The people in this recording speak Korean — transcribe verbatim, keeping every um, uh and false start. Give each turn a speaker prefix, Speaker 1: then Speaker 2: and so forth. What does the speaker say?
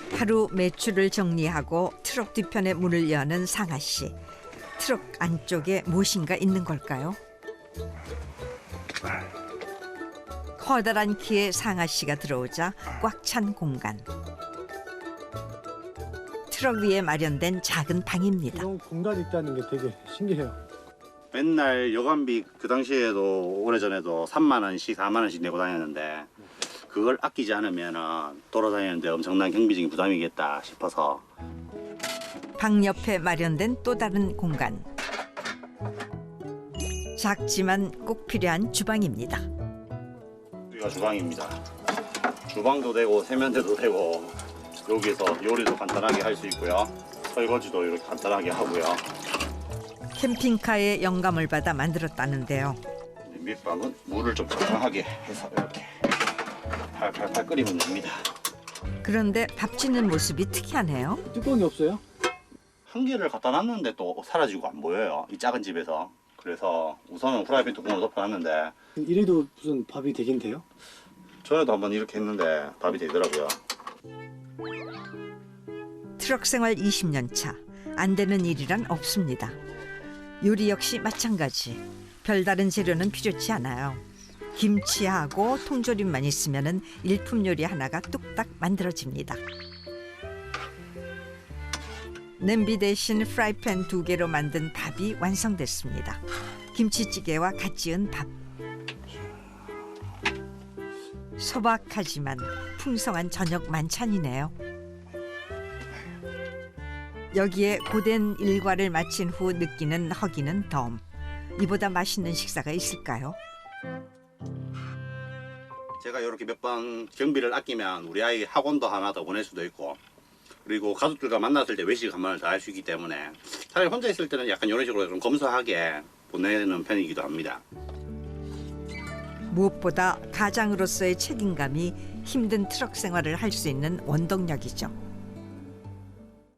Speaker 1: 하루 매출을 정리하고 트럭 뒤편에 문을 여는 상아 씨. 트럭 안쪽에 무엇인가 있는 걸까요? 커다란 키에 상아 씨가 들어오자 꽉 찬 공간. 트럭 위에 마련된 작은 방입니다.
Speaker 2: 이런 공간이 있다는 게 되게 신기해요.
Speaker 3: 맨날 여관비 그 당시에도 오래전에도 삼만 원씩 사만 원씩 내고 다녔는데 그걸 아끼지 않으면 돌아다니는데 엄청난 경비적인 부담이겠다 싶어서
Speaker 1: 방 옆에 마련된 또 다른 공간. 작지만 꼭 필요한 주방입니다.
Speaker 3: 여기가 주방입니다. 주방도 되고 세면대도 되고 여기서 요리도 간단하게 할 수 있고요. 설거지도 이렇게 간단하게 하고요.
Speaker 1: 캠핑카에 영감을 받아 만들었다는데요.
Speaker 3: 밑방은 물을 좀 적당하게 해서 이렇게 팔팔팔 끓이면 됩니다.
Speaker 1: 그런데 밥 짓는 모습이 특이하네요.
Speaker 2: 뚜껑이 없어요?
Speaker 3: 한 개를 갖다 놨는데 또 사라지고 안 보여요. 이 작은 집에서. 그래서 우선은 후라이팬 뚜껑을 덮어놨는데
Speaker 2: 이래도 무슨 밥이 되긴 돼요?
Speaker 3: 전에도 한번 이렇게 했는데 밥이 되더라고요.
Speaker 1: 트럭 생활 이십 년 차. 안 되는 일이란 없습니다. 요리 역시 마찬가지. 별다른 재료는 필요치 않아요. 김치하고 통조림만 있으면 일품 요리 하나가 뚝딱 만들어집니다. 냄비 대신 프라이팬 두 개로 만든 밥이 완성됐습니다. 김치찌개와 갓 지은 밥. 소박하지만 풍성한 저녁 만찬이네요. 여기에 고된 일과를 마친 후 느끼는 허기는 덤. 이보다 맛있는 식사가 있을까요?
Speaker 3: 제가 이렇게 몇 번 경비를 아끼면 우리 아이 학원도 하나 더 보낼 수도 있고 그리고 가족들과 만났을 때 외식 한 번을 더 할 수 있기 때문에 차라리 혼자 있을 때는 약간 이런 식으로 좀 검소하게 보내는 편이기도 합니다.
Speaker 1: 무엇보다 가장으로서의 책임감이 힘든 트럭 생활을 할 수 있는 원동력이죠.